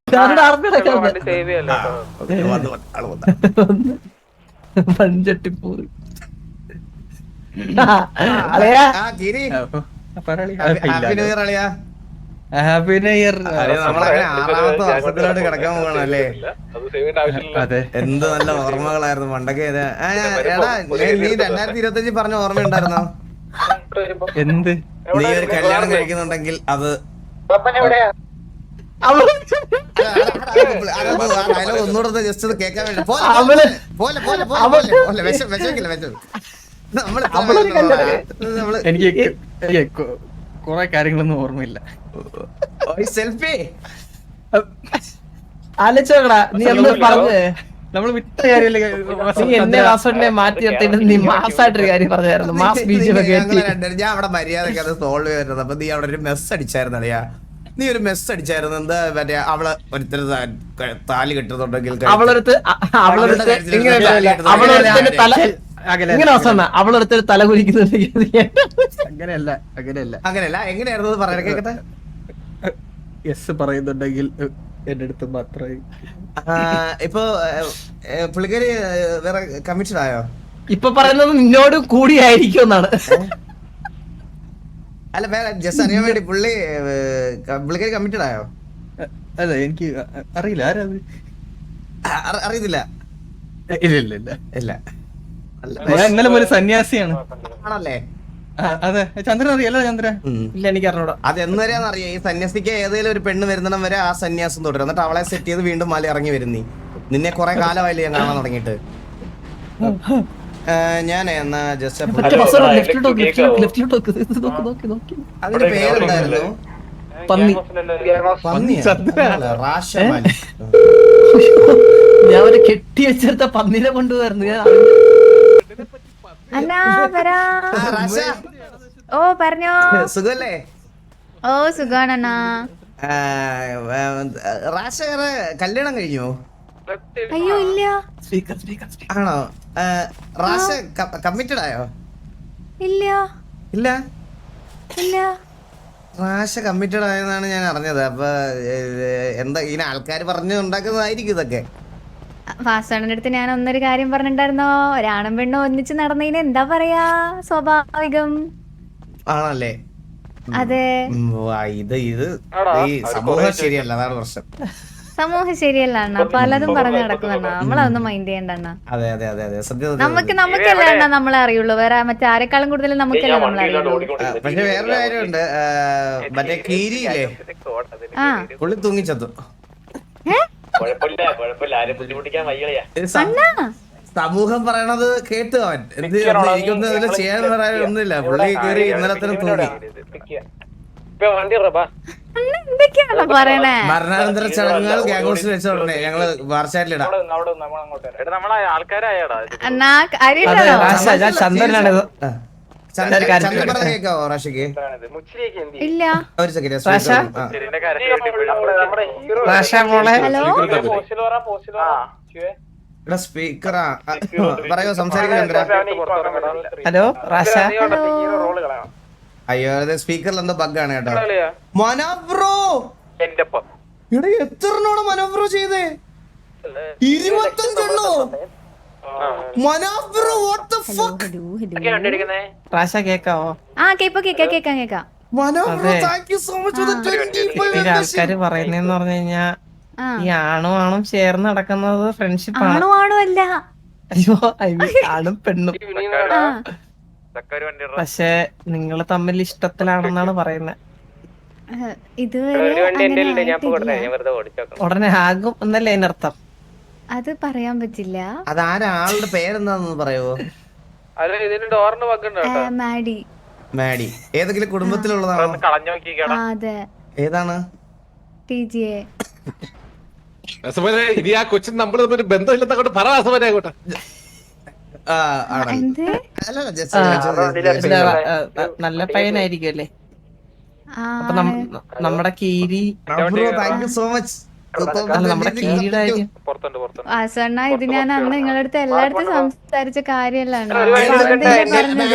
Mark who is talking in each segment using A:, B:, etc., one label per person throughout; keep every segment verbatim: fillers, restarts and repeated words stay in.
A: പഞ്ചട്ടിപ്പൂർ happy new year.
B: ആറാമത്തെ വർഷത്തിലോട്ട് കിടക്കാൻ പോകണല്ലേ.
A: അതെ,
B: എന്ത് നല്ല ഓർമ്മകളായിരുന്നു പണ്ടൊക്കെ. എടാ നീ രണ്ടായിരത്തി ഇരുപത്തി അഞ്ചിൽ പറഞ്ഞ ഓർമ്മയുണ്ടായിരുന്നോ?
A: എന്ത്?
B: നീ ഒരു കല്യാണം കഴിക്കുന്നുണ്ടെങ്കിൽ അത് ഒന്നുകൂടെ ജസ്റ്റ് ഒന്ന് കേൾക്കാൻ വേണ്ടി പോലെ പോലെ പോലെ പോലെ വിഷമിക്കില്ല വിഷം നമ്മള്
A: എനിക്ക് കുറെ കാര്യങ്ങളൊന്നും ഓർമ്മയില്ല.
B: സെൽഫി
A: ആലോചിച്ചോക്കടാ, നീ എന്ന് പറഞ്ഞേ നമ്മള് വിട്ട കാര്യമല്ലേ. നീ എന്നെ വാസവനെ മാറ്റി നിർത്തിയിട്ട് നീ മാസായിട്ടൊരു കാര്യം പറഞ്ഞായിരുന്നു. മാസ് ബീജം
B: ഞാൻ അവിടെ മര്യാദക്ക് അത് സോൾവ് ചെയ്തിരുന്നത്. അപ്പൊ നീ അവിടെ ഒരു മെസ്സ് അടിച്ചായിരുന്നു അറിയാ. നീ ഒരു മെസ്സ് അടിച്ചായിരുന്നു. എന്താ മറ്റേ അവളെ ഒരുത്തർ താലി കെട്ടുന്നുണ്ടെങ്കിൽ
A: അവളൊരുത്ത് അവളൊരുത്തൊരു തല കുലിക്കുന്നുണ്ടെങ്കിൽ അങ്ങനെയല്ല അങ്ങനെയല്ല
B: അങ്ങനെയല്ല എങ്ങനെയായിരുന്നു പറയാൻ കേക്കട്ടെ.
A: യെസ് പറയുന്നുണ്ടെങ്കിൽ എന്റെ അടുത്ത് മാത്രമേ.
B: ഇപ്പൊ പുള്ളിക്കാരി വേറെ കമ്മിറ്റഡ് ആയോ?
A: ഇപ്പൊ പറയുന്നത് നിന്നോട് കൂടിയായിരിക്കും എന്നാണ്.
B: അല്ല വേറെ ജസ്റ്റ് അറിയാൻ വേണ്ടി. പുള്ളി പുള്ളിക്കാരി കമ്മിറ്റഡ് ആയോ?
A: അല്ല എനിക്ക് അറിയില്ല. ആരാത്?
B: അറിയത്തില്ല.
A: ഇല്ല ഇല്ല ഇല്ല
B: ഇല്ല.
A: ഇന്നലെ ഒരു സന്യാസിയാണ്.
B: ആണല്ലേ?
A: അതെ. ചന്ദ്രൻ അറിയാലോ? ചന്ദ്രൻ ഇല്ല എനിക്ക് അറിഞ്ഞൂടാ.
B: അത് എന്നുവരെയാന്ന് അറിയാം. ഈ സന്യാസിക്ക് ഏതെങ്കിലും ഒരു പെണ്ണ് വരുന്നിടം വരെ ആ സന്യാസം തുടരും. എന്നിട്ട് അവളെ സെറ്റ് ചെയ്ത് വീണ്ടും മല ഇറങ്ങി വരുന്നീ. നിന്നെ കുറെ കാലമായില്ലേ ഞാൻ കാണാൻ തുടങ്ങിയിട്ട്. ഞാൻ എന്നാ ജസ്റ്റ് അതിന്റെ പേരെന്തായിരുന്നു?
A: പന്നി.
B: പന്നി.
A: ഞാൻ ഒരു കെട്ടി വെച്ചെടുത്ത പന്നിനെ കൊണ്ടുവരുന്നു. ഞാൻ
C: ഓ പറഞ്ഞോ.
B: സുഖല്ലേ?
C: ഓ സുഖാണണ്ണാ.
B: റാഷ കല്യാണം കഴിഞ്ഞോ?
C: അയ്യോ ഇല്ല.
B: ആണോ? റാഷ കമ്മിറ്റഡ് ആയോ?
C: ഇല്ല
B: ഇല്ല
C: ഇല്ല.
B: റാഷ കമ്മിറ്റഡ് ആയെന്നാണ് ഞാൻ അറിഞ്ഞത്. അപ്പൊ എന്താ ഇങ്ങനെ ആൾക്കാർ പറഞ്ഞു ഉണ്ടാക്കുന്നതായിരിക്കും ഇതൊക്കെ.
C: വാസവണ്ണന്റെ അടുത്ത് ഞാൻ ഒന്നൊരു കാര്യം പറഞ്ഞിട്ടുണ്ടായിരുന്നോ? ഒരാണും പെണ്ണും ഒന്നിച്ച് നടന്നതിന് എന്താ പറയാ, സ്വാഭാവികം
B: ആണല്ലേ?
C: അതെ.
B: ഇത് ഇത് ഈ സമൂഹം ശരിയല്ല, അതാണ് പ്രശ്നം.
C: സമൂഹം ശരിയല്ല അണ്ണ, പലതും പറഞ്ഞു നടക്കുന്നണ്ണ. നമ്മളതൊന്നും മൈൻഡ് ചെയ്യണ്ട അണ്ണ.
B: അതെ അതെ അതെ അതെ സത്യം.
C: നമുക്ക് നമുക്കല്ലേ അണ്ണ നമ്മളെ അറിയുള്ളൂ, വേറെ മറ്റാരെക്കാളും കൂടുതൽ നമുക്കല്ലേ നമ്മളെ അറിയുള്ളൂ.
B: പക്ഷെ വേറൊരു കാര്യമുണ്ട്, മറ്റേ കീരിയില്ലേ, പുള്ളി തൂങ്ങിച്ചത്തു. സമൂഹം പറയണത് കേട്ടു അവൻ. എന്ത് എനിക്കൊന്നും അതിൽ ചെയ്യാൻ പറയാനൊന്നുമില്ല. പുള്ളി കയറി ഇന്നലെ തന്നെ തൂങ്ങി. മരണാനന്തര ചടങ്ങുകൾ ഗ്യാങ്ഹൗസിൽ വെച്ചോണ്ടേ ഞങ്ങള് വാർച്ചാറ്റിലിടാം. കേക്കാവോ റാഷയ്ക്ക്?
C: ഇല്ല
B: ഒരു സെക്കൻഡ്. സ്പീക്കറാ പറയോ, സംസാരിക്കുന്നുണ്ട്.
A: ഹലോ റാഷ.
B: അയ്യോ അതെ സ്പീക്കറിൽ എന്തോ ബഗ്ഗാണ് കേട്ടോ. മനോബ്രോ ഇവിടെ എത്രണ്ണോടെ മനോബ്രോ ചെയ്തേ? ഇരുപത്തഞ്ചെണ്ണോ? Mano bro what the fuck.
A: Rasha കേക്കാവോ?
C: ആ കേപ്പോ കേക്കാം കേക്കാം കേക്കാം.
B: Mano bro thank you so much for the ഇരുപത്തിയഞ്ച്.
A: ആൾക്കാര് പറയുന്നേന്ന് പറഞ്ഞു കഴിഞ്ഞാ ഈ ആണും ആണും ചേർന്ന് നടക്കുന്നത് ഫ്രണ്ട്ഷിപ്പ് ആണ്.
C: ആണും ആണും അല്ല.
A: അയ്യോ ആണും പെണ്ണും. പക്ഷെ നിങ്ങള് തമ്മിൽ ഇഷ്ടത്തിലാണെന്നാണ് പറയുന്നത്. ഉടനെ ആകും എന്നല്ലേ അതിനർത്ഥം?
C: അത് പറയാൻ പറ്റില്ല.
B: അതാരാളുടെ പേരെന്താന്ന് പറയോ?
C: മാഡി.
B: മാഡി ഏതെങ്കിലും കുടുംബത്തിലുള്ളതാണോ?
C: അതെ.
B: ഏതാണ്?
C: T G A.
D: ഇനി ആ കൊച്ചിന് നമ്മള് ബന്ധമില്ലെന്നങ്ങോട്ട് പറ. അങ്ങോട്ട്
A: നല്ല പയ്യനായിരിക്കും അല്ലേ? അപ്പൊ നമ്മുടെ കീരി നമ്മുടെ കീരിയുടെ കാര്യം
C: വാസണ്ണ ഇത് ഞാൻ അന്ന് നിങ്ങളുടെ അടുത്ത് എല്ലായിടത്തും സംസാരിച്ച കാര്യല്ലാണ്.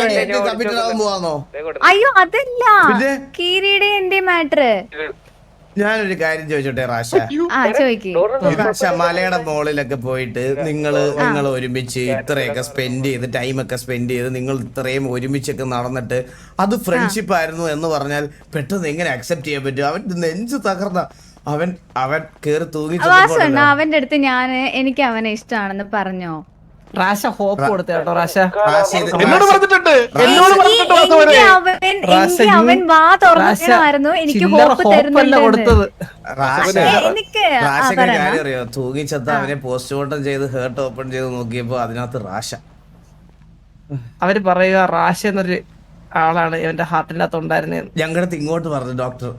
C: അയ്യോ അതല്ല കീരിയുടെ എന്റെ മാറ്റർ.
B: ഞാനൊരു കാര്യം ചോദിച്ചോട്ടെ റാഷ,
C: ആ ചോദിക്ക്.
B: റാഷ മലയുടെ മോളിലൊക്കെ പോയിട്ട് നിങ്ങള് നിങ്ങൾ ഒരുമിച്ച് ഇത്രയൊക്കെ സ്പെൻഡ് ചെയ്ത് ടൈമൊക്കെ സ്പെൻഡ് ചെയ്ത് നിങ്ങൾ ഇത്രയും ഒരുമിച്ചൊക്കെ നടന്നിട്ട് അത് ഫ്രണ്ട്ഷിപ്പ് ആയിരുന്നു എന്ന് പറഞ്ഞാൽ പെട്ടെന്ന് എങ്ങനെ അക്സെപ്റ്റ് ചെയ്യാൻ പറ്റും? അവൻ നെഞ്ചു തകർന്ന അവൻ അവൻ കേറി തൂങ്ങി
C: വാസണ്ണ അവന്റെ അടുത്ത് ഞാൻ എനിക്ക് അവനെ ഇഷ്ടമാണെന്ന് പറഞ്ഞോ?
A: റാശ ഹോപ്പ് കൊടുത്ത കേട്ടോ റാശ.
D: എന്നോട് പറഞ്ഞിട്ടുണ്ട് എന്നോട് പറഞ്ഞിട്ടുണ്ട്
C: എങ്കിൽ അവൻ എങ്കിൽ അവൻ വാ തുറന്നായിരുന്നു എനിക്ക് ഹോപ്പ് തരുന്നുണ്ട്
A: കൊടുത്തത്.
C: എനിക്ക്
B: റാഷക്ക് കാര്യം അറിയോ? തൂങ്ങിച്ചത്ത അവനെ പോസ്റ്റ്മോർട്ടം ചെയ്ത് ഹേർട്ട് ഓപ്പൺ ചെയ്ത് നോക്കിയപ്പോ അതിനകത്ത് റാഷ.
A: അവര് പറയുക റാഷ എന്നൊരു ആളാണ് എന്റെ ഹാർട്ടിന്റെ അകത്ത് ഉണ്ടായിരുന്നത്.
B: ഞങ്ങളുടെ അടുത്ത് ഇങ്ങോട്ട് പറഞ്ഞു ഡോക്ടർ.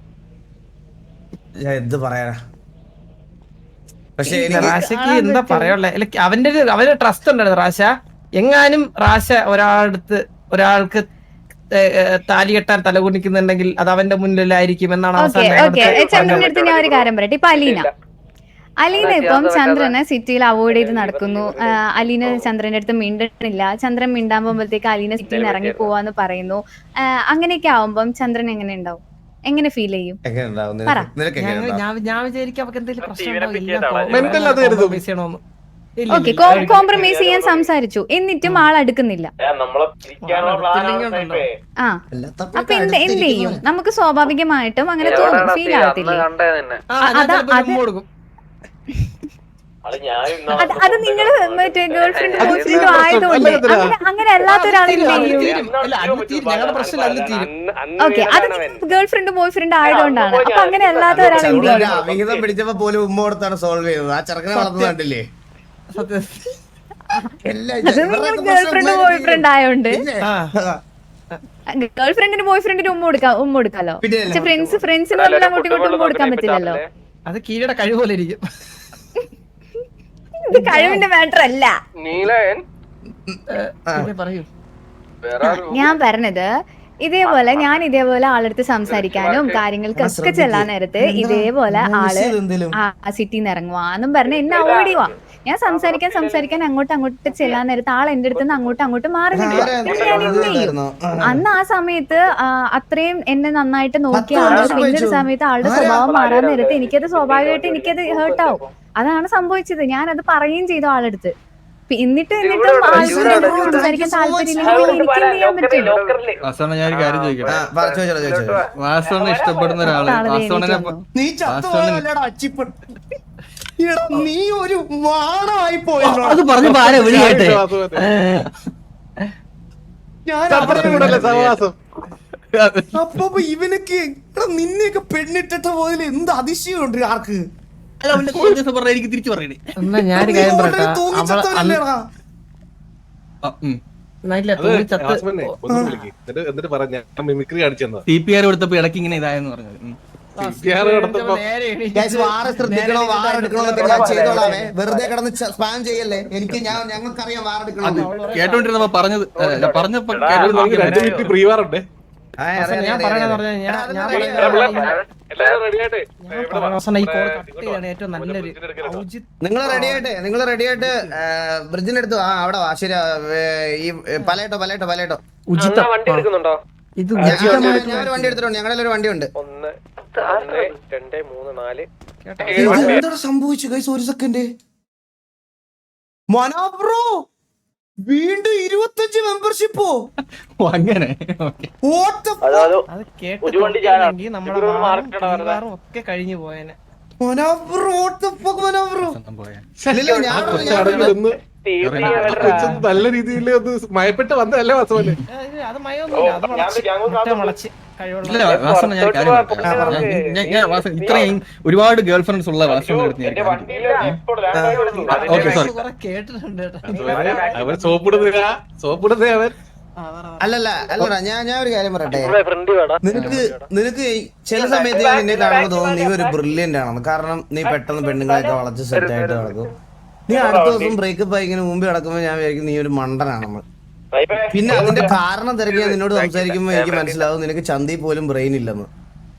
B: ഞാൻ എന്ത് പറയാനാ? പക്ഷെ
A: റാശക്ക് എന്താ പറയാനുള്ള അവന്റെ ഒരു അവന്റെ ട്രസ്റ്റ് ഉണ്ടായിരുന്നു റാശ. എങ്ങാനും റാശ ഒരാളടുത്ത് ഒരാൾക്ക് താലി കെട്ടാൻ തലകുണിക്കുന്നുണ്ടെങ്കിൽ അത് അവന്റെ മുന്നിലായിരിക്കും എന്നാണ്
C: ചന്ദ്രന്റെ അടുത്ത് ഞാൻ ഒരു കാര്യം പറയട്ടെ. ഇപ്പൊ അലീന അലീന ഇപ്പം ചന്ദ്രനെ സിറ്റിയിൽ അവോയ്ഡ് ചെയ്ത് നടക്കുന്നു. അലീന ചന്ദ്രന്റെ അടുത്ത് മിണ്ടണില്ല. ചന്ദ്രൻ മിണ്ടാൻ പോകുമ്പോഴത്തേക്ക് അലീന സിറ്റിയിൽ നിന്ന് ഇറങ്ങി പോവാന്ന് പറയുന്നു. അങ്ങനെയൊക്കെ ആവുമ്പം ചന്ദ്രൻ എങ്ങനെ ഉണ്ടാവും? എങ്ങനെ ഫീൽ ചെയ്യും?
A: ഞാൻ വിചാരിക്കും അവർക്ക് എന്തെങ്കിലും പ്രശ്നം.
C: ഓക്കെ, കോംപ്രമൈസ് ചെയ്യാൻ സംസാരിച്ചു എന്നിട്ടും ആൾ അടുക്കുന്നില്ല. ആ അപ്പൊ എന്ത് എന്ത് ചെയ്യും? നമുക്ക് സ്വാഭാവികമായിട്ടും അങ്ങനെ തോന്നും, ഫീൽ ആവത്തില്ലേ? അത് നിങ്ങൾ മറ്റേ ഗേൾ ഫ്രണ്ട് ബോയ് ഫ്രണ്ടും ആയതുകൊണ്ട് അങ്ങനെ അങ്ങനെ അല്ലാത്ത ഒരാൾ എന്ത് ചെയ്യും? ഓക്കെ, അത് ഗേൾ ഫ്രണ്ട് ബോയ് ഫ്രണ്ട് ആയതുകൊണ്ടാണ്. അപ്പൊ അങ്ങനെ അല്ലാത്ത ഒരാൾ എന്ത് ചെയ്യും?
B: അവിഹിതം പിടിച്ചപ്പോ പോലും ഉമ്മ കൊടുത്താണ് സോൾവ് ചെയ്തത്. ആ ചെറുക്കനെ വളർന്നു കണ്ടില്ലേ?
C: അത് നിങ്ങൾ ഗേൾ ഫ്രണ്ട് ബോയ് ഫ്രണ്ട് ആയോണ്ട് ഗേൾ ഫ്രണ്ടിന് ബോയ് ഫ്രണ്ടിന് ഉമ്മ കൊടുക്കാം ഉമ്മ കൊടുക്കാലോ. പക്ഷെ ഫ്രണ്ട്സ് ഫ്രണ്ട്സിന് തമ്മിൽ അങ്ങോട്ടും ഇങ്ങോട്ടും ഉമ്മ കൊടുക്കാൻ പറ്റില്ലല്ലോ.
A: അത് കീഴയുടെ കഴിവ് പോലെ ഇരിക്കും.
C: ഇത് കഴിവിന്റെ മാറ്റർ അല്ല.
A: പറയൂ.
C: ഞാൻ പറഞ്ഞത് ഇതേപോലെ ഞാൻ ഇതേപോലെ ആളെടുത്ത് സംസാരിക്കാനും കാര്യങ്ങൾക്കൊക്കെ ചെല്ലാൻ നേരത്ത് ഇതേപോലെ ആള് ആ സിറ്റിന്ന് ഇറങ്ങുവാന്നും പറഞ്ഞ് എന്നെ അവോയ്ഡ് ചെയ്യുവാ. ഞാൻ സംസാരിക്കാൻ സംസാരിക്കാൻ അങ്ങോട്ട് അങ്ങോട്ട് ചെല്ലാൻ നേരത്ത് ആൾ എന്റെ അടുത്ത് നിന്ന് അങ്ങോട്ടും അങ്ങോട്ടും മാറി നിൽക്കുക. ഞാൻ എന്ത് ചെയ്യും? അന്ന് ആ സമയത്ത് അത്രയും എന്നെ നന്നായിട്ട് നോക്കിയ ആള് പിന്നൊരു സമയത്ത് ആളുടെ സ്വഭാവം മാറാൻ നേരത്ത് എനിക്കത് സ്വാഭാവികമായിട്ട് എനിക്കത് ഹേർട്ടാവും. അതാണ് സംഭവിച്ചത്. ഞാൻ അത് പറയുകയും ചെയ്തു ആളെടുത്ത്. എന്നിട്ട് എന്നിട്ടും ആൾക്കാരോട് സംസാരിക്കാൻ താല്പര്യമില്ലെങ്കിൽ എനിക്ക് എന്ത് ചെയ്യാൻ പറ്റും?
E: വാസവണ്ണ ഞാൻ ഒരു കാര്യം ചോദിക്കട്ടെ. വാസവണ്ണ ഇഷ്ടപ്പെടുന്ന ഒരാള് വാസവണ്ണനെ
B: നീ ഒരു വാണമായി പോയി.
A: അത് പറഞ്ഞു ആരെ വിളിയാട്ടെ.
B: അപ്പൊ ഇവനൊക്കെ നിന്നെയൊക്കെ പെണ്ണിട്ടിട്ട് പോയതിൽ എന്ത് അതിശയമുണ്ട് ആർക്ക്?
E: എനിക്ക് തിരിച്ചു പറയണേ.
A: എന്നാ ഞാനൊരു കാര്യം പറയട്ടെ.
E: സി പി ആർ കൊടുത്തപ്പോ ഇടയ്ക്ക് ഇങ്ങനെ ഇതായെന്ന് പറഞ്ഞത്.
B: വെറുതെ കിടന്ന് സ്പാം ചെയ്യല്ലേ. എനിക്ക് ഞാൻ ഞങ്ങൾക്കറിയാം വാറെടുക്കണം.
E: കേട്ടോണ്ടിരുന്നപ്പോ പറഞ്ഞത് പറഞ്ഞപ്പോ
D: പ്രീവാറുണ്ട്.
A: ഞാൻ പറയണെന്ന് പറഞ്ഞാൽ ഏറ്റവും നല്ലൊരു
B: നിങ്ങൾ റെഡി ആയിട്ട് നിങ്ങൾ റെഡി ആയിട്ട് ബ്രിഡ്ജിനെടുത്തു. ആ അവിടെ വാ. ശരി, ഈ പലയിട്ടോ പലയിട്ടോ പലയിട്ടോ
D: വണ്ടി എടുക്കുന്നുണ്ടോ?
A: ഇത്
B: ഞാനൊരു വണ്ടി എടുത്തിട്ടുണ്ട്. ഞങ്ങളുടെ ഒരു വണ്ടി ഉണ്ട്.
D: ഒന്ന് രണ്ട് മൂന്ന് നാല്
B: എന്താണ് സംഭവിച്ചു ഗൈസ്? ഒരു സെക്കൻഡ്. മനോബ്രോ വീണ്ടും ഇരുപത്തഞ്ച് മെമ്പർഷിപ്പോ?
E: അങ്ങനെ
A: ഒക്കെ കഴിഞ്ഞു പോയേനെ.
D: നല്ല രീതിയിൽ ഒന്ന് മയപ്പെട്ട് വന്നതല്ലേ വാസവന്?
A: അത് മയൊന്നുമില്ല, മുളച്ച്
E: ഇല്ല വാസവണ്ണ ഞാൻ കാര്യം പറയട്ടെ. ഇത്രയും ഒരുപാട് ഗേൾ ഫ്രണ്ട്സ് ഉള്ള വാസവണ്ണ
D: അവൻ സോപ്പിടുന്നില്ല സോപ്പിടുന്നേ അവൻ.
B: അല്ലല്ല അല്ലടാ, ഞാൻ ഞാൻ ഒരു കാര്യം പറയട്ടെ. നിനക്ക് നിനക്ക് ചില സമയത്ത് ഞാൻ നിന്നെ കാണുമ്പോൾ തോന്നുന്നു നീ ഒരു ബ്രില്യന്റ് ആണെന്ന്. കാരണം നീ പെട്ടെന്ന് പെണ്ണുങ്ങളെയൊക്കെ വളച്ച് സെറ്റ് ആയിട്ട് നടക്കും. നീ അടുത്ത ദിവസം ബ്രേക്കപ്പ് ആയി ഇങ്ങനെ മുമ്പ് കിടക്കുമ്പോൾ ഞാൻ വിചാരിക്കും നീ ഒരു മണ്ടനാണെന്ന്. പിന്നെ അതിന്റെ കാരണം തിരക്കി ഞാൻ നിന്നോട് സംസാരിക്കുമ്പോൾ എനിക്ക് മനസ്സിലാവും നിനക്ക് ചന്തി പോലും ബ്രെയിൻ ഇല്ലെന്ന്.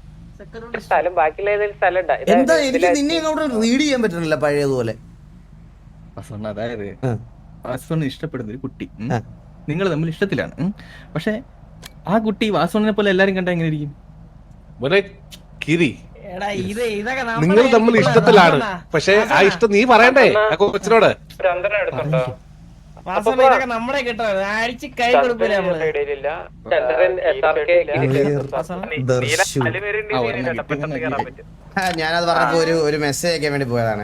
B: എന്താ എനിക്ക് നിന്നെ അങ്ങോട്ട് റീഡ് ചെയ്യാൻ പറ്റുന്നില്ല പഴയതുപോലെ.
E: അതായത് വാസവണ്ണ ഇഷ്ടപ്പെടുന്ന ഒരു കുട്ടി നിങ്ങൾ തമ്മിൽ ഇഷ്ടത്തിലാണ്. പക്ഷെ ആ കുട്ടി വാസവണ്ണനെ പോലെ എല്ലാരും കണ്ടാ എങ്ങനെ ഇരിക്കും?
D: കിരി
A: എടാ ഇത് ഇതൊക്കെ
D: നിങ്ങൾ തമ്മിൽ ഇഷ്ടത്തിലാണ്, പക്ഷെ ആ ഇഷ്ടം നീ പറയണ്ടേ ആ കൊച്ചിനോട്.
A: വാസന ഇതൊക്കെ നമ്മളെ കിട്ടോ അടിച്ച് കൈ കൊടുക്കൂല നമ്മള്.
B: ദർശു. ആ, ഞാനത് പറഞ്ഞപ്പോ ഒരു ഒരു മെസ്സേജ് അയക്കാൻ വേണ്ടി പോയതാണ്.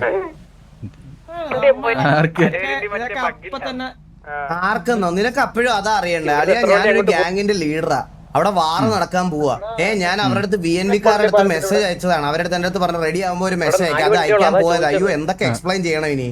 A: ഇതൊക്കെ അപ്പൊ തന്നെ
B: ആർക്കെന്നോ നിനക്ക് അപ്പോഴും അതാ അറിയണ്ടേ. അറിയാ ഞാനൊരു ഗ്യാങ്ങിന്റെ ലീഡറാ, അവിടെ വാറ് നടക്കാൻ പോവാ. ഏ ഞാൻ അവരുടെ അടുത്ത് ബി എൻ വിക്കാരുടെ അടുത്ത് മെസ്സേജ് അയച്ചതാണ്. അവരുടെ അടുത്ത് എന്റെ അടുത്ത് പറഞ്ഞ റെഡി ആകുമ്പോ ഒരു മെസ്സേജ് അയക്കാം, അത് അയക്കാൻ പോയത്. അയ്യോ എന്തൊക്കെ എക്സ്പ്ലെയിൻ ചെയ്യണം ഇനി.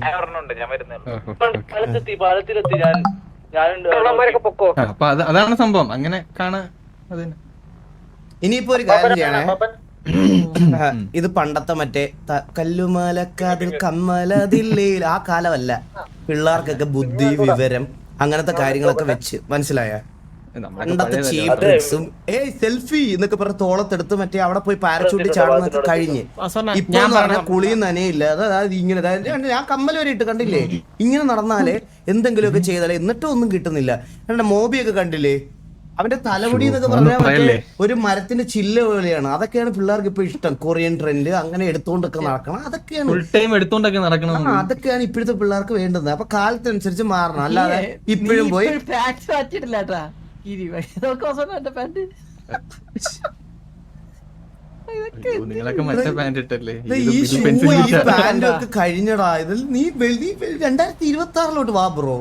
E: അപ്പൊ അത് അതാണ് സംഭവം, അങ്ങനെ കാണാ.
B: ഇനിയിപ്പോ ഒരു കാര്യം ചെയ്യണേ, ഇത് പണ്ടത്തെ മറ്റേ ത- കല്ലുമലക്കാതിൽ കമ്മലതില്ലേൽ ആ കാലമല്ല. പിള്ളേർക്കൊക്കെ ബുദ്ധി വിവരം അങ്ങനത്തെ കാര്യങ്ങളൊക്കെ വെച്ച് മനസ്സിലായ പണ്ടത്തെ ചീപ്പ് ട്രിക്സും ഏയ് സെൽഫി എന്നൊക്കെ പറഞ്ഞ തോളത്തെടുത്ത് മറ്റേ അവിടെ പോയി പാരച്ചൂട്ടി ചാടുന്നൊക്കെ കഴിഞ്ഞ് ഇപ്പൊ പറഞ്ഞ കുളിയും നനയില്ല. അതായത് ഇങ്ങനെ അതായത് ഞാൻ കമ്മൽ വരെ ഇട്ട് കണ്ടില്ലേ, ഇങ്ങനെ നടന്നാലേ എന്തെങ്കിലുമൊക്കെ ചെയ്താലേ എന്നിട്ടും ഒന്നും കിട്ടുന്നില്ല. എന്റെ മോബിയൊക്കെ കണ്ടില്ലേ, അവന്റെ തലമുടി എന്നൊക്കെ പറഞ്ഞാൽ മറ്റേ ഒരു മരത്തിന്റെ ചില്ല പോലെയാണ്. അതൊക്കെയാണ് പിള്ളേർക്ക് ഇപ്പൊ ഇഷ്ടം. കൊറിയൻ ട്രെൻഡ് അങ്ങനെ എടുത്തോണ്ടൊക്കെ നടക്കണം, അതൊക്കെയാണ്
E: ഫുൾ ടൈം എടുത്തോണ്ടൊക്കെ നടക്കണം.
B: ആ, അതൊക്കെയാണ് ഇപ്പോഴത്തെ പിള്ളേർക്ക് വേണ്ടത്. അപ്പൊ കാലത്തനുസരിച്ച് മാറണം, അല്ലാതെ ഇപ്പോഴും പോയി
A: പാൻറ് മാറ്റിട്ടില്ല കേട്ടാ.
E: നിങ്ങളൊക്കെ മറ്റേ പാന്റ് ഇട്ടല്ലേ
B: ദേ ഈ ഷൂ ഈ പാന്റ് ഒക്കെ കഴിഞ്ഞടാ. ഇതിൽ നീ വെളി രണ്ടായിരത്തി ഇരുപത്തി ആറിലോട്ട് വാ ബ്രോ.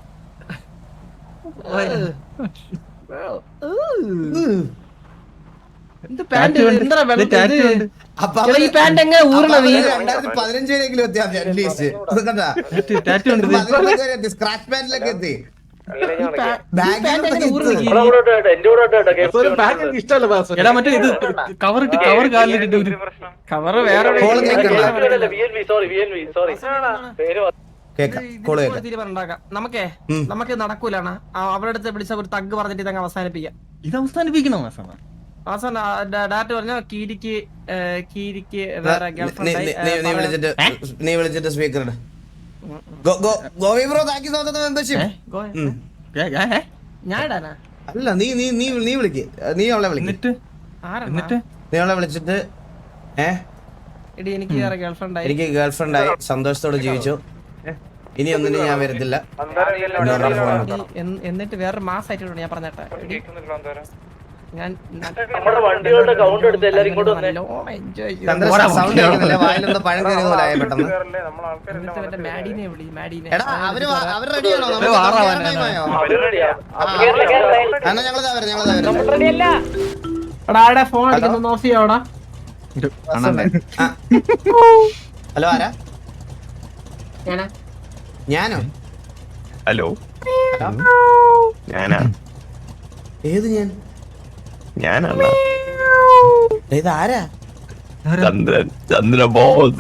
B: അപ്പൊ
A: ഈ പാന്റ് എങ്ങനെ ഊരണത്?
B: രണ്ടായിരത്തി പതിനഞ്ചിലെങ്കിലും എത്തി അറ്റ്ലീസ്റ്റ്. സ്ക്രാച്ച് പാന്റിലൊക്കെ എത്തി.
D: ഇഷ്ടമല്ല ബാസു.
E: എടാ മറ്റേ ഇത് കവർ ഇട്ട് കവർ കാലിലിട്ട് ഒരു
A: കവറ് വേറെ നമുക്കേ നമുക്ക് നടക്കൂലാണ്. അവരുടെ അടുത്ത് പിടിച്ച ഒരു തഗ് പറഞ്ഞിട്ട് ഇതങ്ങ് അവസാനിപ്പിക്കാം.
E: ഇത് അവസാനിപ്പിക്കണം മാസം.
A: അവസാനം ഡാറ്റ പറഞ്ഞ കീരിക്ക് കീരിക്ക് വേറെ
B: നീ വിളിച്ചിട്ട് നീ വിളിച്ചിട്ട് സ്പീക്കർ ഗോവി bro thank you so much membership.
A: ഞാൻ ഇടാനാ
B: അല്ല നീ നീ നീ നീ വിളിക്ക്, നീ അവളെ വിളിക്ക്.
E: എന്നിട്ട് എന്നിട്ട്
B: നീ അവളെ വിളിച്ചിട്ട് ഏ
A: എടി എനിക്ക് വേറെ ഗേൾഫ്രണ്ട് ആയി,
B: എനിക്ക് ഗേൾഫ്രണ്ട് ആയി, സന്തോഷത്തോടെ ജീവിച്ചു, ഇനി ഒന്നിനും ഞാൻ വരത്തില്ല.
A: എന്നിട്ട് വേറെ മാസമായിട്ടുണ്ട് ഞാൻ പറഞ്ഞേട്ടാ. ഞാൻ
B: സൗണ്ട് കേൾക്കുന്നില്ല, വായിലെന്തോ പഴം കയറിയ പോലെ ആയ പെട്ടെന്ന്.
A: മാഡിനെ വിളി മാഡിനെ.
B: എടാ അവര് അവര് റെഡിയാണോ? എന്നാ ഞങ്ങളിതാ വരാം, ഞങ്ങളിതാ വരാം.
A: എടാ ഫോൺ അടിക്കുന്നു, ഓഫ് ചെയ്യാടാ.
B: ഹലോ ആരാ? ഞാനോ?
F: ഹലോ ഞാനാ.
B: ഏത് ഞാൻ?
F: ഞാനാണ്
B: ഇത് ആരാ?
F: ചന്ദ്രൻ. ചന്ദ്ര ബോസ്.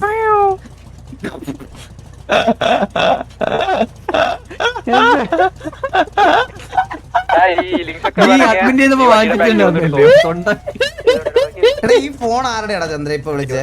B: ഈ ഫോൺ ആരുടെയാടാ ചന്ദ്ര ഇപ്പൊ വിളിച്ചേ?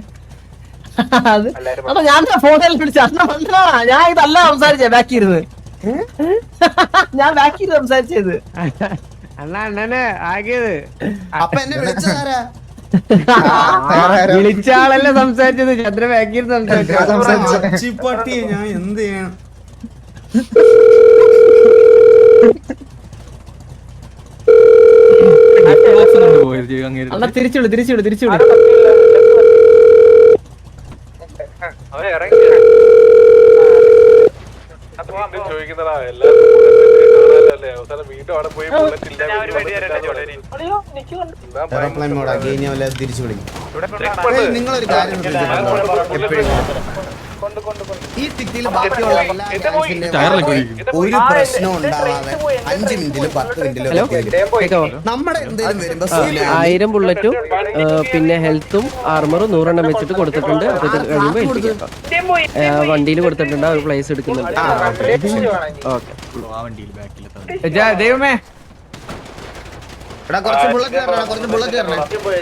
A: അപ്പൊ ഞാൻ ഫോണിൽ വിളിച്ച ഞാൻ ഇതല്ല സംസാരിച്ചേ, ബാക്കി ഇരുന്ന് ഞാൻ ബാക്കി ഇരുന്ന് സംസാരിച്ചത്. അണ്ണാ അണ്ണനെ ആകിയത്
B: അപ്പൊ എന്നെ വിളിച്ചതാരാ?
A: വിളിച്ച ആളല്ലേ സംസാരിച്ചത്, ചന്ദ്ര ബാക്കി ഇരുന്ന്
B: സംസാരിച്ചു. ഞാൻ എന്ത് ചെയ്യണം?
A: അണ്ണാ തിരിച്ചുവിളി തിരിച്ചുവിളി തിരിച്ചുവിളി.
D: ചോദിക്കുന്നതാ എല്ലാരും അവസാനം വീണ്ടും അവിടെ പോയി
B: എയർപ്ലെയിൻ മോഡാക്കി ഇനി അവരെ തിരിച്ചു വിളിക്കും. നിങ്ങളൊരു കാര്യം ശ്രദ്ധിച്ചിട്ടുണ്ടോ? എപ്പോഴും ഈ സിറ്റിയിൽ ബാക്കിയുള്ള എല്ലാ ഗാങ്സിന്റെയും ഒരു പ്രശ്നം ഉണ്ടാവാതെ അഞ്ച് മിനിറ്റിലും പത്ത് മിനിറ്റിലും നമ്മുടെ എന്തെങ്കിലും വരുമ്പോ
G: ആയിരം ബുള്ളറ്റും പിന്നെ ഹെൽത്തും ആർമറും നൂറെണ്ണം വെച്ചിട്ട് കൊടുത്തിട്ടുണ്ട്. അത് കഴിയുമ്പോ വണ്ടിയിൽ കൊടുത്തിട്ടുണ്ട്, ഒരു പ്ലേസ് എടുക്കുന്നുണ്ട്.
A: ദൈവമേ
B: എടാ കുറച്ച് ബുള്ളറ്റ് കയറണം, കുറച്ച് ബുള്ളറ്റ് കയറണം.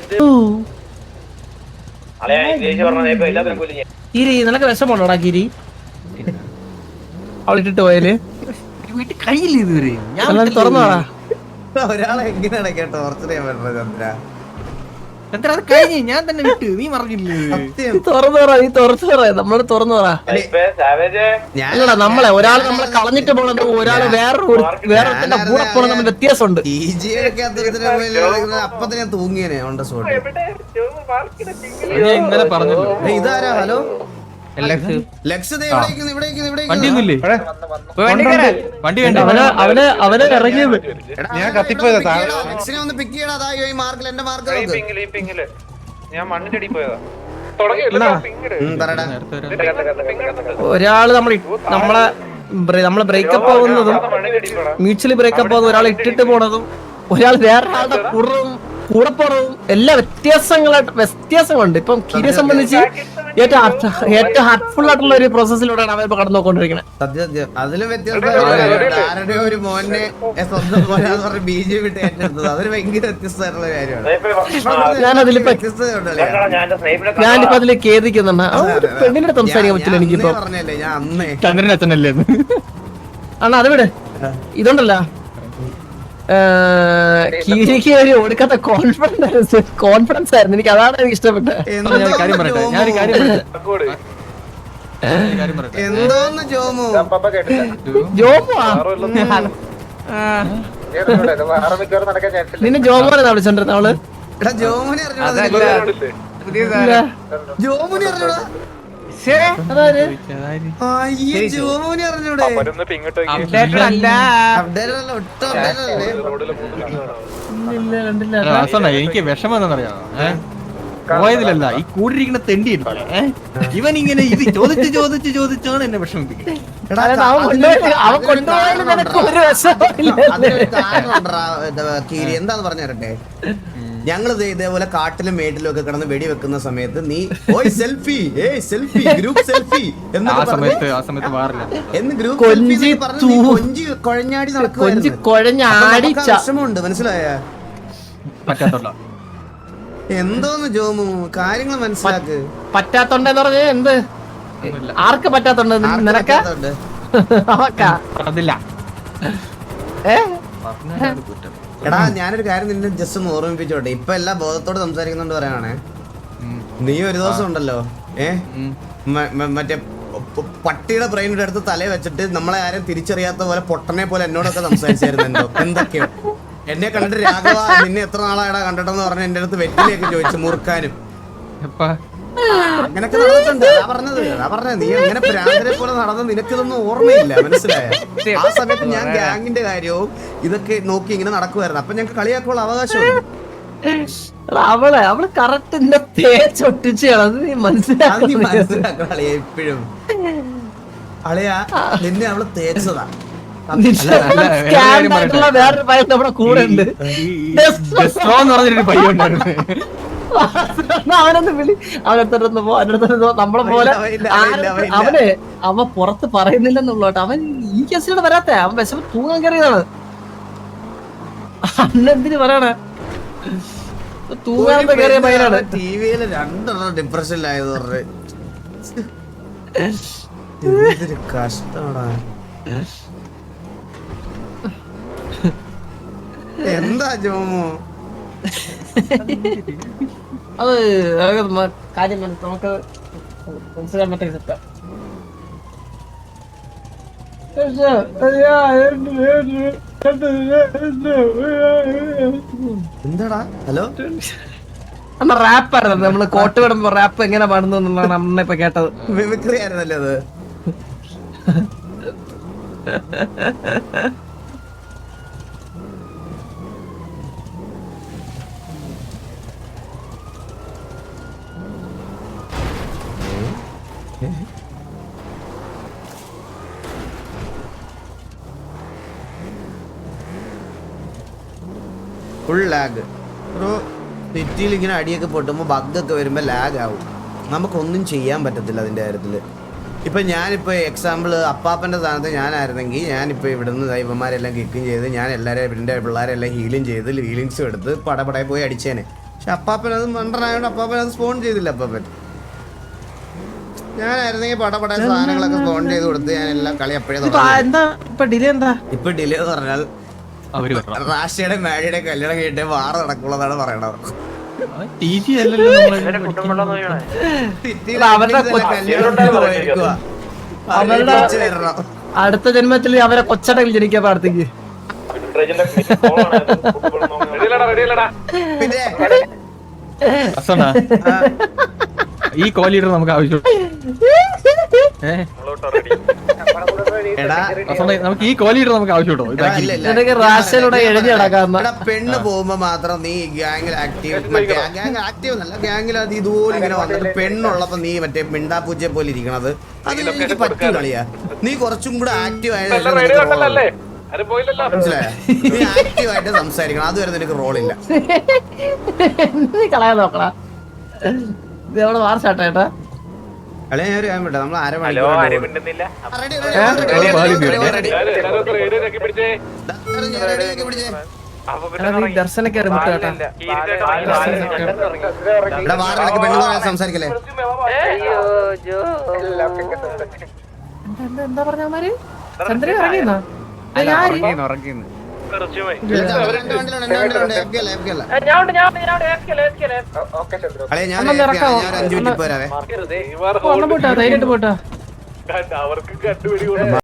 A: ഗിരി നിനക്ക് വിഷമമുണ്ടോടാ ഗിരി? അവളിട്ടിട്ട് പോയാല്
E: വീട്ടിൽ കഴിയില്ല ഇതുവരെ.
A: തുറന്നോടാ.
B: ഒരാളെ എങ്ങനെയാണ് കേട്ടോ ടോർച്ചർ ചെയ്യാൻ പറ്റുന്നത് ചന്ദ്ര?
E: ചന്ദ്ര അത് കഴിഞ്ഞ് ഞാൻ തന്നെ വിട്ട് നീ പറഞ്ഞില്ലേ
B: സത്യം.
A: തുറന്നു പറ നീ തുറന്നു പറ നമ്മളോട് തുറന്നു പറ
B: ഞാൻ
A: അല്ലടാ നമ്മളെ ഒരാൾ നമ്മളെ കളഞ്ഞിട്ട് പോണത് ഒരാള് വേറെ വേറെ കൂടെ പോണത് തമ്മിൽ വ്യത്യാസമുണ്ട്
B: ഈ ജി ഒക്കെ അത്തരത്തില് അപ്പത്തിന് ഞാൻ തൂങ്ങിയനെ ഓൺ ദ സ്പോട്ട്.
E: ഞാൻ ഇന്നലെ പറഞ്ഞല്ലോ
B: ഏയ് ഇതാരാ? ഹലോ
E: എല്ലക്സ്
B: ലക്സ് ദേ ഇവിടെ ഇരിക്കുന്നു, ഇവിടെ ഇരിക്കുന്നു, ഇവിടെ
E: വണ്ടി
B: ഇരിക്കുന്നു.
E: ഒന്നുമില്ലേ വണ്ടി വേണ്ട
A: അവന് അവന് അവന് ഇറങ്ങിയത്
B: എടാ,
D: ഞാൻ
B: അവനെ
D: കത്തിപ്പോയതാ,
B: ഒന്ന് pick
D: താഴെ.
B: ചെയ്യടാ, ലക്സിനെ ഒന്ന് പിക്ക് ചെയ്യടാ. അതാ ഈ മാർക്കിൽ എന്റെ മാർക്ക് നോക്ക്.
H: ഞാൻ മണ്ണിന്റെ അടി പോയതാ
B: ഉം, പറടാ.
A: ഒരാള് നമ്മൾ നമ്മളെ ബ്ര- നമ്മളെ ബ്രേക്കപ്പ് ആവുന്നതും മ്യൂച്വലി ബ്രേക്കപ്പ് ആവുന്ന ഒരാൾ ഇട്ടിട്ട് പോണതും ഒരാൾ വേറൊരാളുടെ കൂടെ കൂടെ പോണതും എല്ലാ വ്യത്യാസങ്ങളായിട്ട് വ്യത്യാസങ്ങളുണ്ട്. ഇപ്പം കീരിയെ സംബന്ധിച്ച് ഏറ്റവും heart- ഏറ്റവും ഹാർട്ട്ഫുൾ ആയിട്ടുള്ള ഒരു പ്രോസസ്സിലൂടെയാണ് അവൻ ഇപ്പൊ കടന്നു നോക്കിക്കൊണ്ടിരിക്കുന്നത്.
B: സത്യം സത്യം. അതിലും വ്യത്യസ്തം ആരുടെ ഒരു മോനെ സ്വന്തം മോനാന്ന് പറഞ്ഞ് ബി ജെ പി ഇട്ട് ഏറ്റെടുത്തത് അതൊരു ഭയങ്കര വ്യത്യസ്തമായിട്ടുള്ള കാര്യമാണ്.
A: ഞാനതിലിപ്പോ
B: വ്യത്യസ്തതയുണ്ടല്ലേ?
A: ഞാനിപ്പോ അതില് ഖേദിക്കുന്നുണ്ട്. ആ ഒരു പെണ്ണിന്റെ സംസാരിക്കാൻ പറ്റില്ല
B: ഞാൻ
A: എനിക്കിപ്പോ.
B: അന്നേ പറഞ്ഞല്ലേ, ഞാൻ അന്നേ
E: ചന്ദ്രൻ അച്ഛനല്ലേ
A: അണ്ണാ അത് വിട്. ഇതുണ്ടല്ലോ കീരിക്ക് ഒരു ഒടുക്കാത്ത കോൺഫിഡൻസ് കോൺഫിഡൻസ് ആയിരുന്നു എനിക്ക്. അതാണ് എനിക്ക് ഇഷ്ടപ്പെട്ടത്.
E: ഞാൻ കാര്യം പറയട്ടെ ഞാനൊരു കാര്യം പറയട്ടെ ഞാനൊരു കാര്യം പറയട്ടെ
B: എന്തോന്ന് ജോമു?
A: ജോബാ നിന്നെ ജോബാണ് വിളിച്ചോണ്ടിരുന്ന അവള്.
B: എടാ ജോമുനെ അറിഞ്ഞൂടാ നിനക്ക്?
A: ഇല്ല.
B: ജോമുനെ അറിഞ്ഞൂടാ?
A: അതായത്
B: അയ്യേ, ജോമുനെ അറിഞ്ഞൂടെ?
E: അപ്ഡേറ്റഡ് അല്ല
B: അപ്ഡേറ്റ് അല്ല, ഒട്ടും അപ്ഡേറ്റ് അല്ലേ?
A: ഇല്ല കണ്ടില്ല.
E: വാസണ്ണ, എനിക്ക് വിഷമം എന്താണെന്നറിയാമോ ഏഹ് പോയതിലല്ല ഈ കൂടിയിരിക്കുന്ന തെണ്ടി ഉണ്ടല്ലേ, ഏഹ്? ഇവൻ ഇങ്ങനെ ഇത് ചോദിച്ച് ചോദിച്ച് ചോദിച്ചാണ് എന്നെ വിഷമിപ്പിക്കുന്നത്.
B: എടാ,
A: അതായത് അവൻ കൊണ്ടുപോയി അവൻ കൊണ്ടുപോയാലും നിനക്ക് ഒരു വിഷമമില്ല.
B: അതിനൊരു കാരണമുണ്ടെടാ, ഇത് കീരി. എന്താന്ന് പറഞ്ഞു തരട്ടെ? ഞങ്ങള് ദേ ഇതേപോലെ കാട്ടിലും മേട്ടിലും ഒക്കെ കിടന്ന് വെടി വെക്കുന്ന സമയത്ത് നീ ഓയ് സെൽഫി ഏയ് സെൽഫി ഗ്രൂപ്പ് സെൽഫി
E: ആ
B: എന്നൊക്കെ
E: സമയത്ത്
B: പറഞ്ഞ്
E: ആ സമയത്ത് മാറില്ല
B: എന്ന് ഗ്രൂപ്പ്
A: കൊഞ്ചി
B: സെൽഫി പറഞ്ഞ് നീ കൊഞ്ചി കുഴഞ്ഞാടി
A: കൊഞ്ചി
B: നടക്കുവായിരുന്നു.
A: കുഴഞ്ഞാടി
B: അപ്പൊ നമുക്ക് ആ വിഷമമുണ്ട്, മനസ്സിലായ?
E: പറ്റാത്തുള്ള
B: എന്തോന്ന് ജോമു, കാര്യങ്ങൾ മനസ്സിലാക്ക്.
A: പറ്റാത്തോണ്ടെന്ന് പറഞ്ഞ എന്ത് ആർക്ക് പറ്റാത്തോണ്ട്
B: ആർക്കും
A: നിനക്ക
B: പറ്റാത്തതുണ്ട്.
A: അവക്കാ
E: അതില്ല
A: ഏ
B: എടാ ഞാനൊരു കാര്യം നിന്നെ ജസ്റ്റ് ഒന്ന് ഓർമ്മിപ്പിച്ചോട്ടെ. ഇപ്പൊ എല്ലാ ബോധത്തോട് സംസാരിക്കുന്നുണ്ട് പറയാണേ. നീ ഒരു ദിവസം ഉണ്ടല്ലോ ഏ മ- മ- മറ്റേ പ- പട്ടിയുടെ ബ്രെയിനിന്റെ അടുത്ത് തലയെ വെച്ചിട്ട് നമ്മളെ ആരും തിരിച്ചറിയാത്ത പോലെ പൊട്ടനെ പോലെ എന്നോടൊക്കെ സംസാരിച്ചായിരുന്നു. എന്തോ എന്തൊക്കെയോ എന്നെ കണ്ടിട്ട് രാഘവ നിന്നെ എത്ര നാളായടാ കണ്ടിട്ടെന്ന് പറഞ്ഞ എന്റെ അടുത്ത് വെറ്റിലേക്ക് ചോദിച്ചു മുറുക്കാനും
E: എപ്പാ
B: അങ്ങനൊക്കെ നടന്നിട്ടുണ്ട്. അതാ പറഞ്ഞത് അതാ പറഞ്ഞത് നീ അങ്ങനെ പ്രാന്തരെ പോലെ നടന്ന് നിനക്കിതൊന്നും ഓർമ്മയില്ല, മനസ്സിലായ? ആ സമയത്ത് ഞാൻ ഗ്യാങ്ങിന്റെ കാര്യവും ഇതൊക്കെ നോക്കി ഇങ്ങനെ നടക്കുമായിരുന്നു. അപ്പൊ ഞങ്ങൾക്ക് കളിയാക്കുള്ള അവകാശമുണ്ട്.
A: എടാ, അവളെ അവള് കറക്റ്റ് എന്നെ തേച്ചൊട്ടിച്ച് കളഞ്ഞത് നീ
B: അത് നീ
A: മനസ്സിലാക്കി.
B: മനസ്സിലാക്കണം അളിയ. എപ്പോഴും അളിയാ നിന്നെ അവള് തേച്ചതാ.
A: ആയിട്ടുള്ള വേറൊരു പയ്യൻ നമ്മുടെ കൂടെ ഉണ്ട്.
E: ഡെസ്ട്രോ എന്ന് പറഞ്ഞൊരു പയ്യൻ ഉണ്ടായിരുന്നു.
A: അവനൊന്ന് വിളി അവനടുത്തോട്ടൊന്ന് പോ അവനടുത്തോട്ട് നമ്മളെ പോലെ
B: ഇല്ല, ഇല്ല, ഇല്ല, ഇല്ല.
A: അവന് അവൻ പുറത്ത് പറയുന്നില്ലെന്നുള്ളോട്ട് അവൻ ഈ കേസിലൂടെ വരാത്ത അവൻ വിശപ്പ് തൂങ്ങാൻ കയറിയതാണ്. അന്നെന്തിന് പറയണേ തൂങ്ങാൻ കയറിയ പയ്യനാണ്.
B: ടി വിയില് രണ്ടെണ്ണം ഡിപ്രഷനിലായത് പറഞ്ഞ് എന്തൊരു കഷ്ടമാടാ. എന്താ ജോമു?
A: അത് അത് മ- കാര്യം മനസ്സി- നമുക്ക് മനസ്സിലാൻ പറ്റിയ സെറ്റാ.
B: എന്താടാ? ഹലോ
A: അമ്മ റാപ്പായിരുന്നു നമ്മള് കോട്ട് വിടുമ്പോ റാപ്പ് എങ്ങനെ പാടുന്നു എന്നുള്ളതാണ് അമ്മ ഇപ്പൊ കേട്ടത്.
B: മിമിക്രി ആയിരുന്നല്ലേ അത്? Full lag bro. സിറ്റിയിൽ ഇങ്ങനെ അടിയൊക്കെ പൊട്ടുമ്പോൾ ബഗ്ഗൊക്കെ വരുമ്പോൾ ലാഗ് ആവും. നമുക്കൊന്നും ചെയ്യാൻ പറ്റത്തില്ല അതിൻ്റെ കാര്യത്തിൽ. ഇപ്പം ഞാനിപ്പോൾ എക്സാമ്പിൾ അപ്പാപ്പൻ്റെ സ്ഥാനത്ത് ഞാനായിരുന്നെങ്കിൽ ഞാനിപ്പോൾ ഇവിടുന്ന് ദൈവന്മാരെല്ലാം കിക്കും ചെയ്ത് ഞാൻ എല്ലാവരെയും എൻ്റെ പിള്ളേരെല്ലാം ഹീലിങ് ചെയ്ത് ഹീലിങ്സും എടുത്ത് പടപടയിൽ പോയി അടിച്ചേനെ. പക്ഷെ അപ്പാപ്പൻ അത് മണ്ടനായോണ്ട് അപ്പാപ്പൻ അത് സ്പോൺ ചെയ്തില്ല. അപ്പാപ്പൻ ഞാനായിരുന്നെങ്കിൽ പടപട സാധനങ്ങളൊക്കെ സ്പോൺ ചെയ്ത് കൊടുത്ത് ഞാൻ എല്ലാം കളി അപ്പോഴേ
A: എന്താ ഇപ്പൊ ഡിലേ എന്താ?
B: ഇപ്പൊ ഡിലേ എന്ന് പറഞ്ഞാൽ
E: അവര്
B: റാഷിയുടെ മാഡിയുടെ കല്യാണം കഴിഞ്ഞിട്ട് വാറ നടക്കുള്ളതാണ് പറയണത്.
E: ടി ജി അല്ലല്ലോ നമ്മള്
B: സിറ്റിയിലെ
A: അവരുടെ
B: endings എല്ലാം കല്യാണം പോയിരിക്കുവാ.
A: അവരുടെ
B: തിരിച്ച് വരണം.
A: അടുത്ത ജന്മത്തിൽ അവരെ കൊച്ചടയിൽ ജനിക്കാൻ പ്രാർത്ഥിക്ക്.
B: പിന്നെ
E: അസണ ഈ കോ ലീഡർ നമുക്ക് ആവശ്യം ഏഹ്
B: എടാ
E: അസണ നമുക്ക് ഈ കോ ലീഡർ നമുക്ക് ആവശ്യമുണ്ടോ
B: എടാ,
E: ഇതാക്കി
B: ഇല്ല, ഇല്ല.
A: നിനക്ക് റാഷനോടെ എഴുതി നടക്കാന്ന്.
B: എടാ, പെണ്ണ് പോകുമ്പോ മാത്രം നീ ഗ്യാങ്ങിൽ ആക്റ്റീവ് മറ്റേ ഗ്യാങ് ആക്റ്റീവ് എന്നല്ല ഗ്യാങ്ങിൽ അത് ഇതുപോലെ ഇങ്ങനെ വന്നിട്ട് പെണ്ണുള്ളപ്പോ നീ മറ്റേ മിണ്ടാപ്പൂച്ചയെ പോലെ ഇരിക്കണത് അത് എനിക്ക് പറ്റൂ കളിയാ. നീ കുറച്ചും കൂടെ ആക്റ്റീവ് ആയത് മനസ്സിലായോ? നീ ആക്റ്റീവ് ആയിട്ട് സംസാരിക്കണം, അതുവരെ നിനക്ക് റോളില്ല.
A: നീ കളയാൻ നോക്കടാ. ഇത് എവിടെ വാർച്ചാട്ടാ ഏട്ടാ?
B: കളി ഞാൻ ഒരു കാര്യം പറ്റാ നമ്മൾ അര
H: ഹലോ ആരും
B: മണിക്കൂർ
H: മിണ്ടുന്നില്ല
A: ദർശനൊക്കെ അറിഞ്ഞിട്ട് കേട്ടാ.
B: പെണ്ണുങ്ങളെ സംസാരിക്കല്ലേ?
A: എന്താ എന്താ എന്താ പറഞ്ഞമാര്? ചന്ദ്രൻ ഇറങ്ങിയെന്നാ?
E: ഉറങ്ങിന്ന്
B: രണ്ട് വണ്ടിയിലുണ്ട്, രണ്ട് വണ്ടിയിലുണ്ട്. എഫ് കെ അല്ല, എഫ് കെ അല്ല. കളി ഞാൻ
A: അണ്ണൻ
B: എഫ് കെ ആണ്.
A: ഇറക്കാവോ?
B: ഞാൻ ഒരു അഞ്ചു മിനിറ്റ് പോരാവേ.
A: ഒന്നും പോട്ടാ ധൈര്യമായിട്ട് പോട്ടാ.